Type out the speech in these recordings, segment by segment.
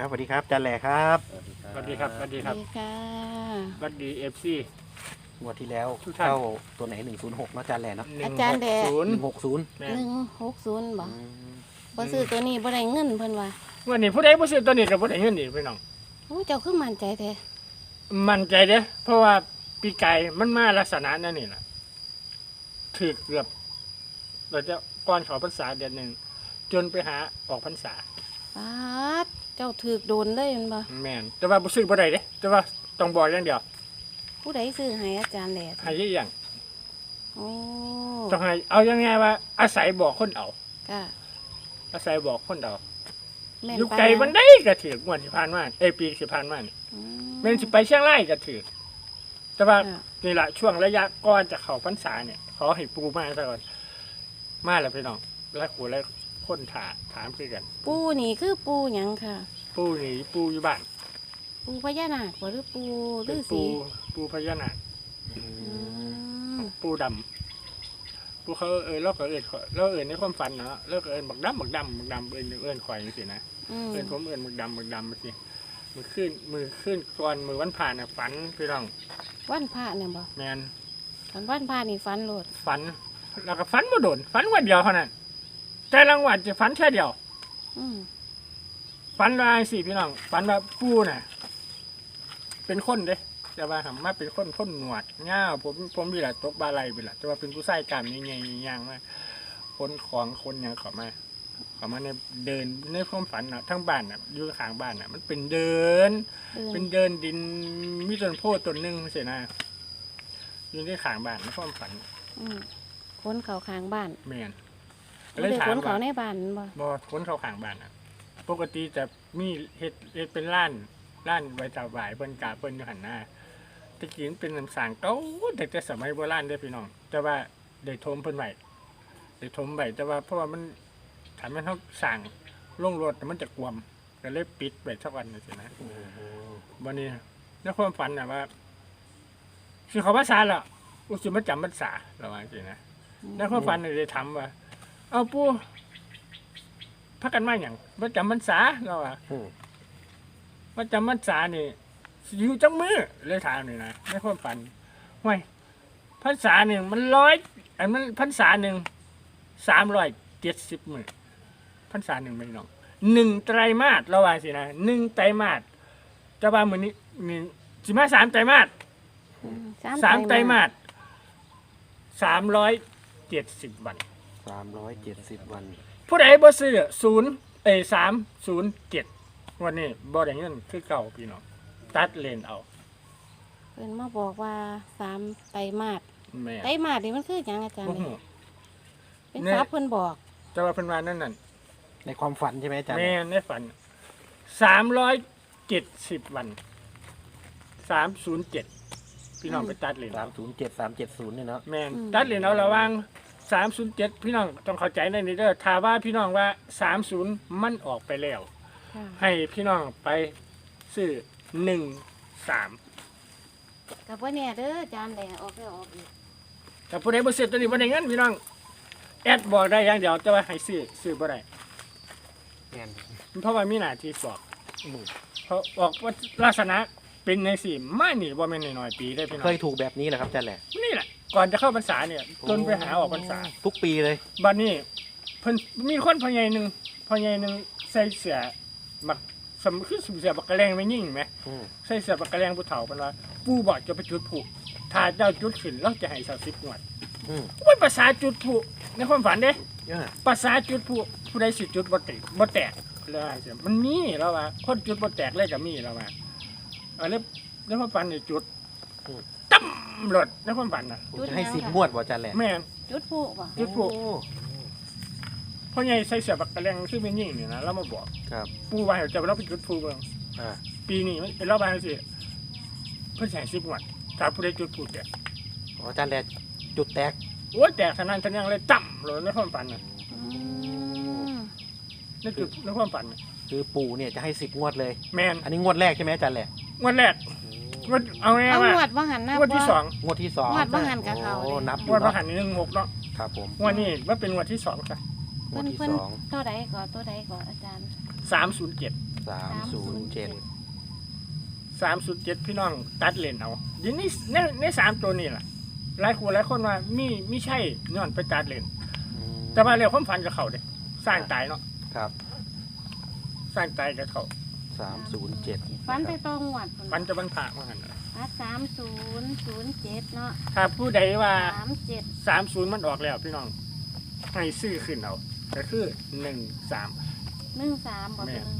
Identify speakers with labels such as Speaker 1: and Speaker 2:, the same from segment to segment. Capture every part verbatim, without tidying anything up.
Speaker 1: ครับสวัสดีครับอาจารย์แหล่ครับ
Speaker 2: สวัสดีครับสวัสดี
Speaker 3: ส
Speaker 2: ครั
Speaker 3: วั
Speaker 2: บ
Speaker 3: สดีค่ะ
Speaker 2: สวัสดีเอฟซี
Speaker 1: งวดที่แล้ว
Speaker 2: ทุกท่าน
Speaker 1: เข้าตัวไหนหนึ่งศูนย์หกเนาะอาจารย์แหล่เนาะ
Speaker 3: อาจารย์แดะ
Speaker 2: ศูน
Speaker 1: ห
Speaker 2: ย์
Speaker 1: นึ่งหกศูนย์
Speaker 2: แม่
Speaker 3: หนึ่งหกศูนย์บ่
Speaker 1: อืม
Speaker 3: บ่ซื้อตัวนี้บ่ได้เงินเพิ่นว่า
Speaker 2: วันนี้ผู้ใดผู้ซื้อตัวนี้กับผู้ใดเงินนี่พี่น้อง
Speaker 3: โอ้เจ้าคือมั่นใจแท้
Speaker 2: มั่นใจเด้อเพราะว่าปีไก่มันมาลักษณะนั่นนี่แหละถือเกือบเราจะก่อนเขอพรรษาเดือนหนึ่งจนไปหาออกพรรษา
Speaker 3: ปาดเจ้าถูกโดนเลยแม่นบ่
Speaker 2: แม่นแต่ว่าผู้ซื้อผู้ใดเด้แต่ว่าต้องบอกอย่างเดียว
Speaker 3: ผู้ใดซื้อให้อาจารย์แหละ
Speaker 2: ให้ยี่อย่าง
Speaker 3: โอ้
Speaker 2: ต้องให้เอายังไงว่าอาศัยบอกคนเอา
Speaker 3: ก็
Speaker 2: อาศัยบอกคนเอา
Speaker 3: แม่น
Speaker 2: อยู่
Speaker 3: ปาน
Speaker 2: ไกล
Speaker 3: นั้น
Speaker 2: มันได้ก็ถือกงวดที่ผ่านมาเอยปีที่ผ่านมานี่
Speaker 3: อื
Speaker 2: แม่นสิไปเชียงรายก็ถือแต่ว่า
Speaker 3: ค่ะ
Speaker 2: นี่แหละช่วงระยะก่อนจะเข้าพรรษาเนี่ยขอให้ปูมาซะก่อนมาแล้วพี่น้องแล้วขู่แล้วคนถามถามคือกัน
Speaker 3: ปูนี่คือปูหยังค่ะ
Speaker 2: ปูนี่ปูอยู่บ้าน
Speaker 3: ปูพญานาคบ่หรือปูฤ
Speaker 2: เป็น
Speaker 3: า
Speaker 2: ปู
Speaker 3: ษี
Speaker 2: ปูพญานาค
Speaker 1: อื
Speaker 3: อื
Speaker 1: ม
Speaker 3: ม
Speaker 2: ปูดำปูเขาเอ่ยเราก็เอ่ยเราเอ่ยในความฝันเนาะเราก็เอ่ยบักดำบักดำบักดำเอ่ยเอ่ยข่อยนี่สินะ
Speaker 3: อืม
Speaker 2: เอ่ยผมเอ่ยบักดำบักดำมาสิมือขึ้นมือขึ้นก่อนมือวันผ่านน่ะฝันพี่น้อง
Speaker 3: วันพระเนี่ยบ่
Speaker 2: แมน
Speaker 3: ตอนวันพระนี่ฝันโลด
Speaker 2: ฝันแล้วก็ฝันมาโดนฝันวันเดียวเท่านั้นแต่รางวัลจะฝันแค่เดียว
Speaker 3: อืม
Speaker 2: ฝันว่าสิพี่น้องฝันว่าปู่น่ะ เป็นคนเด้แต่ว่าทำมาเป็นคนคนหนวดเงาผมผมมีแหละตกบาไหลไปละแต่ว่าเป็นผู้ใส่กล้ามใหญ่ๆย่างมาคนของคนหยังเขามาเขามาในเดินในความฝันน่ะทั้งบ้านน่ะอยู่ข้างบ้านน่ะ มันเป็นเดิน
Speaker 3: เดิน
Speaker 2: เป็นเดินดินมีต้นโพธิ์ต้นหนึ่งเสียนะอยู่ที่ข้างบ้านในความฝัน
Speaker 3: อืมคนเขาข้างบ้าน
Speaker 2: แมน
Speaker 3: บ่ได้คนเขาในบ้านบ่
Speaker 2: บ่คนเขาข้างบ้านน่ะ ปกติจะมีเฮ็ดเฮ็ดเป็นร้านร้านไว้จับหวายเพิ่นกาเพิ่นอยู่หันหน้าตะกี้มันเป็นน้ำสางเก่าแต่แต่สมัยโบราณเด้อพี่น้อง แต่ว่าได้ทมเพิ่นไว้ได้ทมไว้แต่ว่าเพราะว่ามันถ้ามันเฮาสร้างลงรถมันจะกวมก็เลยปิดไว้สักวันนึงสินะ
Speaker 1: โอ้โห
Speaker 2: วันนี้ในความฝันน่ะว่าสิเขาภาษาล่ะอุสิมาจำภาษาระว่าสินะในความฝันนี่ได้ถามว่า เอาปู่พักกันมาหยังบ่จำพรรษาเราว่า
Speaker 1: อืม
Speaker 2: ว่าจำพรรษานี่สิอยู่จังมือเลยถามนี่นะในความฝันห้วยพรรษาหนึ่งมันร้อยอันมันพรรษาหนึ่งสามร้อยเจ็ดสิบมือพรรษาหนึ่งไม่น้องหนึ่งไตรมาสเราว่าสินะหนึ่งไตรมาสจะว่ามือนี้มีสิมาสามไตรมาส
Speaker 3: อืม
Speaker 2: สามไตรมาสสามร้อยเจ็ดสิบวัน
Speaker 1: สามร้อยเจ็ดสิบวัน
Speaker 2: ผู้ใดบ่ซื้อศูนย์เอ้สามศูนย์เจ็ดวันนี้บ่ได้เงินคือเก่าพี่น้องตัดเลนเอา
Speaker 3: เพิ่นมาบอกว่าสามไตรมาส
Speaker 2: แม่
Speaker 3: ไตรมาสนี่มันคือหยังอาจารย์
Speaker 2: โอ้โห
Speaker 3: เนี่ยเป็น
Speaker 2: เนี่ย
Speaker 3: ทรัพย์เพิ่นบอก
Speaker 2: แต่ว่าเพิ่นว่านั่นนั่น
Speaker 1: ในความฝันใช่ไหมอาจารย์
Speaker 2: แม่ในฝันสามร้อยเจ็ดสิบวันสามศูนย์เจ็ดพี่น้องไปตัดเลน
Speaker 1: สามศูนย์เจ็ดสามเจ็ดศูนย์เนี่ยเนาะ
Speaker 2: แม่นตัดเลนเอาระวังสามศูนย์เจ็ดพี่น้องต้องเข้าใจในนี้เด้อถ้าว่าพี่น้องว่าสามศูนย์มันออกไปแล้ว
Speaker 3: ค่ะ
Speaker 2: ให้พี่น้องไปซื้อหนึ่งสาม
Speaker 3: กับว่าเนี่ยเด้ออาจารย์แหล่ออกแล้วออกอีก
Speaker 2: แต่ผู้ใดบ่ซื้อตัวนี้บ่ได้เงินพี่น้องแอดบอกได้อย่างเดียวแต่ว่าให้ซื้อซื้อบ่ได้
Speaker 1: แม่น
Speaker 2: เพราะว่ามีหน้าที่บอก
Speaker 1: อืม
Speaker 2: เพราะบอกว่าลักษณะเป็นในสี่มานี่บ่แม่นน้อยๆปีได้พี่น้อ
Speaker 1: เค
Speaker 2: ง
Speaker 1: ยถูกแบบนี้เหรอครับอาจารย์แหล่
Speaker 2: นี่แหละก่อนจะเข้าพรรษาเนี่ยจนไปหาออกพรรษา
Speaker 1: ทุกปีเลย
Speaker 2: บัดนี้เพิ่นมีคนพ่อใหญ่หนึงพ่อใหญ่หนึงใส่เสื้อมักสมคือเสื้อบักกะแลงไม่ยิ่งไหม
Speaker 1: อืม
Speaker 2: ใส่เสื้อบักกะแลงผู้เฒ่าเพิ่นว่าปู่บอกจะไปจุดพลุถ้าเจ้าจุดขึ้นเราจะให้สักสิบงวด
Speaker 1: อืม
Speaker 2: โอ้ยภาษาจุดพลุในความฝันเด้
Speaker 1: เยอะ
Speaker 2: ภาษาจุดพลุผู้ใดสิจุดบ่ติดบ่แตกเลยว่าจังซี่มันมีแล้วว่าคนจุดบ่แตกเลยก็มีแล้วว่าเออแล้วในความฝันนี่จุดตั้มรถในความฝันน่ะ
Speaker 1: ผมจะให้สิบงวดบ่อาจารย์แหล่
Speaker 2: แม่น
Speaker 3: จุดผู้บ่
Speaker 2: จุดพลุ
Speaker 1: โอ้
Speaker 2: พ่อใหญ่ใส่เสื้อบักกะแลงคือเป็นยิ่งนี่นะแล้วมาบอก
Speaker 1: ครับ
Speaker 2: ปู่ว่าให้เจะเราไปจุดพลุเบิ่ง
Speaker 1: อ่า
Speaker 2: ปีนี้มันเป็นรอบบ้านสิเพิ่นสิให้สิบงวดถ้าผู้ใดจุดพลุแตก
Speaker 1: อ๋ออาจารย์แหล่จุดแตก
Speaker 2: โอ้ยแตกสนั่นสะยังเลยตั้มเลยในความฝันน่ะ
Speaker 3: อืม
Speaker 2: ในจุดในความฝันน่ะ
Speaker 1: คือปู่เนี่ยจะให้สิบงวดเลย
Speaker 2: แม่น
Speaker 1: อันนี้งวดแรกใช่ไหมอาจารย์แหล่
Speaker 2: งวดแรกงวดเอาง่าย
Speaker 3: เอา
Speaker 2: ๆว่า
Speaker 3: งวดว่าหันหน้าง
Speaker 2: วดที่สอง
Speaker 1: งวดที่สอง
Speaker 3: งวดว่าหันกับเขา
Speaker 1: โอ้
Speaker 3: เลย
Speaker 1: นับอง
Speaker 2: ว
Speaker 1: ยู่
Speaker 2: ดพระ
Speaker 1: เนาะ
Speaker 2: หันนี่หนึ่งหกเนาะ
Speaker 1: ครับผม
Speaker 2: งวดนี้ว่าเป็นงวดที่สองจ้ะ
Speaker 1: งว
Speaker 3: เพิ่
Speaker 1: ด
Speaker 3: น
Speaker 1: ที่
Speaker 3: เพิ่น
Speaker 1: สอง
Speaker 3: เท่าใดก่อนตัวใดก่อนอาจารย์
Speaker 2: สามศูนย์เจ็ด
Speaker 1: สามศูนย์เจ็ด
Speaker 2: สามศูนย์เจ็ดพี่น้องตัดเลนเอาเดี๋ยวนี้ในในสามตัวนี่แหละหลายคนหลายคนว่ามีไม่ใช่ย้อนไปตัดเลนแต่ว่าเรื่องความฝันกับเขาเด้สร้างตายเนาะ
Speaker 1: ครับ
Speaker 2: สร้างตายกับเขา
Speaker 1: สามศูนย์เจ็ด
Speaker 3: ฟันไปตรงหวัด
Speaker 2: ฝันจะบรรพามาหันน่ะ
Speaker 3: ตัดสามศูนย์ศูนย์เจ็ดเนาะ
Speaker 2: ถ้าผู้ใดว่า
Speaker 3: สามเจ็ด
Speaker 2: สามศูนย์มันออกแล้วพี่น้องให้ซื้อขึ้นเอาก็คือหนึ่งสาม
Speaker 3: หนึ่งสามบอก
Speaker 2: แม่
Speaker 3: เลย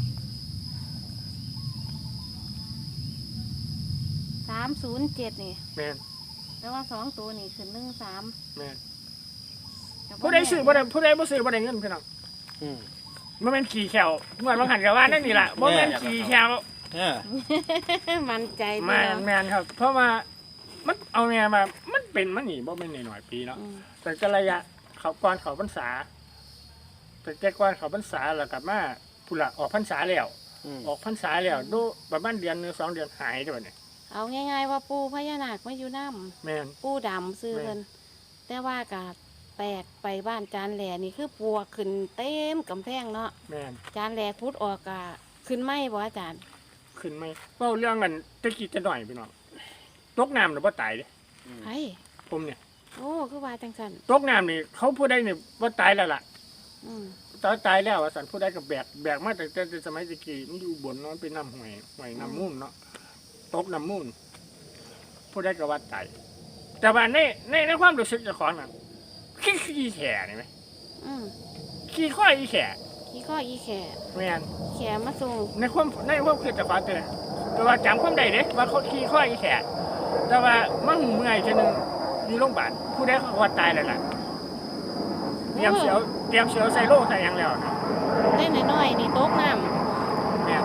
Speaker 3: สามศูนย์เจ็ดนี่
Speaker 2: แม่น
Speaker 3: แต่ว่าสองตัวนี่คือหนึ่งสาม
Speaker 2: แม่นผู้ใดซื้อบ่ได้ผู้ใดบ่ซื้อบ่ได้เงินพี่น้อง
Speaker 1: อืม
Speaker 2: บ่แม่นขี่แขวเมื่อบางหันกับว่านั่นนี่ล่ะบ่แม่นขี่แขว
Speaker 1: เออ
Speaker 3: มันใจ
Speaker 2: แม่
Speaker 3: เดีย
Speaker 2: น
Speaker 3: ว
Speaker 2: แม่นครับ เพราะว่ามันเอาแม่มามันเป็นมันนี่บ่แม่นน้อยๆปีเนาะ
Speaker 3: อืม
Speaker 2: แต่ก็ระยะเขาก่อนเขาพรรษาแต่แต่ก่อนเขาพรรษาแล้วกลับมาพุ่นละออกพรรษาแล้ว
Speaker 1: อืม
Speaker 2: ออกพรรษาแล้วดูประมาณเดือนหนึงสองเดือนหายด้วยเนี่ย
Speaker 3: เอาง่ายๆว่าปูพญานาคมาอยู่น้
Speaker 2: แม่น
Speaker 3: ำปูดำซื้อเพิ่นแต่ว่ากับแปลกไปบ้านจานแหล่นี่คือปัวขึ้นเต็มกำแพงเนาะ
Speaker 2: แม่น
Speaker 3: จานแหล่พุดออกกะขึ้นไหมบ่อาจารย์
Speaker 2: ขึ้นไหมเว้าเรื่องกันตะกี้จะหน่อยพี่น้องตกน้ำหรือบ่ตายเด้
Speaker 3: ไอ้
Speaker 2: ผมเนี่ย
Speaker 3: โอ้คือว่าจังสัน
Speaker 2: ตกน้ำนี่เขาผู้ใดนี่บ่ตายแล้วล่ะ
Speaker 3: อืม
Speaker 2: ตายตายแล้วว่าสันผู้ใดก็แบกแบกมาแต่แต่สมัยตะกี้มันอยู่บนเนาะเป็นน้ำห้วยห้วยน้ำมูลเนาะตกน้ำมูลผู้ใดก็ว่าตายแต่ว่าในในในความรู้สึกเจ้าของน่ะขี้ขี้แข่นี่ไหม
Speaker 3: อืม
Speaker 2: ขี้ข้อยอีแข่
Speaker 3: ขี้ข้ออีแข่
Speaker 2: แม่น
Speaker 3: แข่มาส่ง
Speaker 2: ในความในความคิดเจ้าของเตือนแต่ว่าจำความได้เด้ว่าเขาขี้ข้อยอีแข่แต่ว่ามันเมื่อยจนงอยู่โรงพยาบาลผู้ใดเขาว่าตายแล้วล่ะเตรียมเสียวเตรียมเสียวใส่โล่ใส่หยังแล้วนะ
Speaker 3: ได้น้อยๆนี่ตกน้
Speaker 2: เนี่ย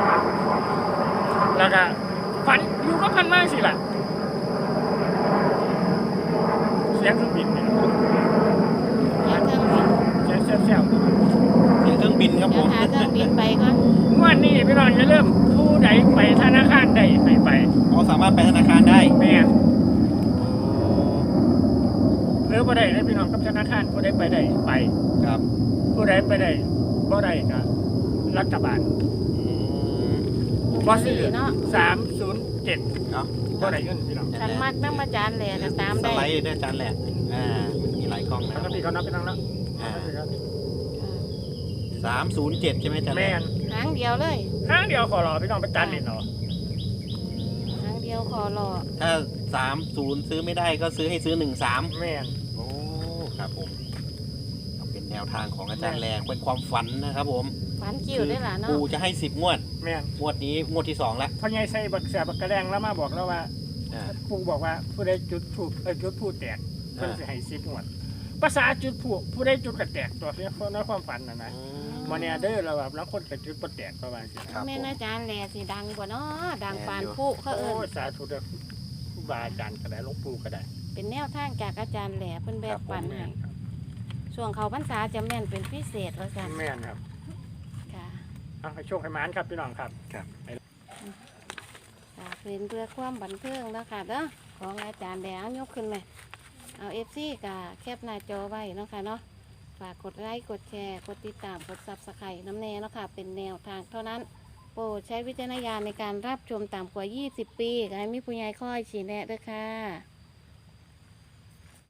Speaker 2: แล้วก็ฟันอยู่ก็พันมากสิล่ะเสียงเครื่องบินเนี่ย
Speaker 3: ำเดี๋ยวเครื่องบิน
Speaker 2: เสียงเสียงเสียง
Speaker 1: เสียงเครื่องบินครับ
Speaker 3: เดี๋
Speaker 1: ผ
Speaker 3: ยว
Speaker 1: ม
Speaker 3: หาเครื่องบินไปก่อน
Speaker 2: งวันนี้พี่น้องจะเริ่าลืมผู้ใดไปธนาคารใดไปไป
Speaker 1: อ๋อสามารถไปธนาคารได้
Speaker 2: แม่นหรือผู้ใดได้พี่น้องกับธนาคารผู้ใดไปได้ไป
Speaker 1: ครับ
Speaker 2: ผู้ใดไปได้บ่ได้ก็รัฐบาล
Speaker 1: อืม
Speaker 2: บ่ซื้อ
Speaker 3: เนาะ
Speaker 2: สามศูนย์เจ็ด
Speaker 1: เนาะ
Speaker 2: บ่ได้เงินพี่น้อง
Speaker 3: คันมักน้ำมาจานแหล่ก็ตาม
Speaker 1: ส
Speaker 3: ได้
Speaker 1: ไลด์ด้วยจานแหละอ่ามีหลายกล้องนะ
Speaker 2: ปกติเขานับพี่น้องแล้ว
Speaker 1: สามศูนย์เจ็ดใช่ไหมจานแห
Speaker 2: แม่
Speaker 1: ละ
Speaker 2: น
Speaker 3: หางเดียวเลย
Speaker 2: ห้างเดียวขอรอพี่น้องไปจันนี่เนาะ
Speaker 3: หางเดียวคอรอ
Speaker 1: ถ้าสามศูนย์ซื้อไม่ได้ก็ซื้อให้ซื้อหนึ่งสาม
Speaker 2: แม่น
Speaker 1: โอ้ครับผมเอาเป็นแนวทางของอาจารย์แรงเป็นความฝันนะครับผม
Speaker 3: ฝันคิวได้ล่ะเนาะ
Speaker 1: ปูจะให้สิบงวด
Speaker 2: แม่น
Speaker 1: งวดนี้งวดที่สองแล้ว
Speaker 2: พ่อใหญ่ใส่บักเสียบักกระแดงแล้วมาบอกแล้วว่า
Speaker 1: อ่า
Speaker 2: ปู่บอกว่าผู้ใดจุดถูกเอ้ยจุดผู้แตกเพิ่น
Speaker 1: อ่า
Speaker 2: สิให้สิบงวดภาษาจุดผู้ผู้ใดจุดกระแตกตัวเนี้ยในความฝันน่ะนะ
Speaker 1: อื
Speaker 2: มาเนี่ยเด้อเราแบบแล้วคนกระจุดบ่แตกประมาณนี้
Speaker 1: ครับ
Speaker 3: แม่
Speaker 1: ผม
Speaker 3: นอาจารย์แหล่สิดังกว่าเนาะดัง
Speaker 1: แม่น
Speaker 3: ปาน
Speaker 1: อยู่
Speaker 3: ผู้เขา
Speaker 2: โอ้
Speaker 3: เอิ้น
Speaker 2: สาธุเด้อครูบาอาจารย์ก็ได้หลวงปู่ก็ได้
Speaker 3: เป็นแนวทางจากอาจารย์แหล่เพิ่นแบ
Speaker 1: ครับ บผม
Speaker 3: ปัน
Speaker 2: แม่
Speaker 3: ให้
Speaker 2: นครับ
Speaker 3: ช่วงเขาพรรษาจะแม่นเป็นพิเศษว่าซั่น
Speaker 2: แม่นครับ
Speaker 3: ค่ะ
Speaker 2: เอาให้โชคให้หมานครับพี่น้องครับ
Speaker 3: ค่ะเป็นเพื่อความบันเทิงแล้วค่ะเด้อของอาจารย์แหล่เอายกขึ้นไหมเอา เอฟ ซี ก็แคปหน้าจอไว้เนาะค่ะเนาะฝากกดไลค์กดแชร์กดติดตามกด Subscribe น้ำแน่เนาะค่ะเป็นแนวทางเท่านั้น โปรดใช้วิจารณญาณในการรับชมต่ำกว่า ยี่สิบ ปีก็ให้มีผู้ใหญ่คอยชี้แนะด้วยค่ะ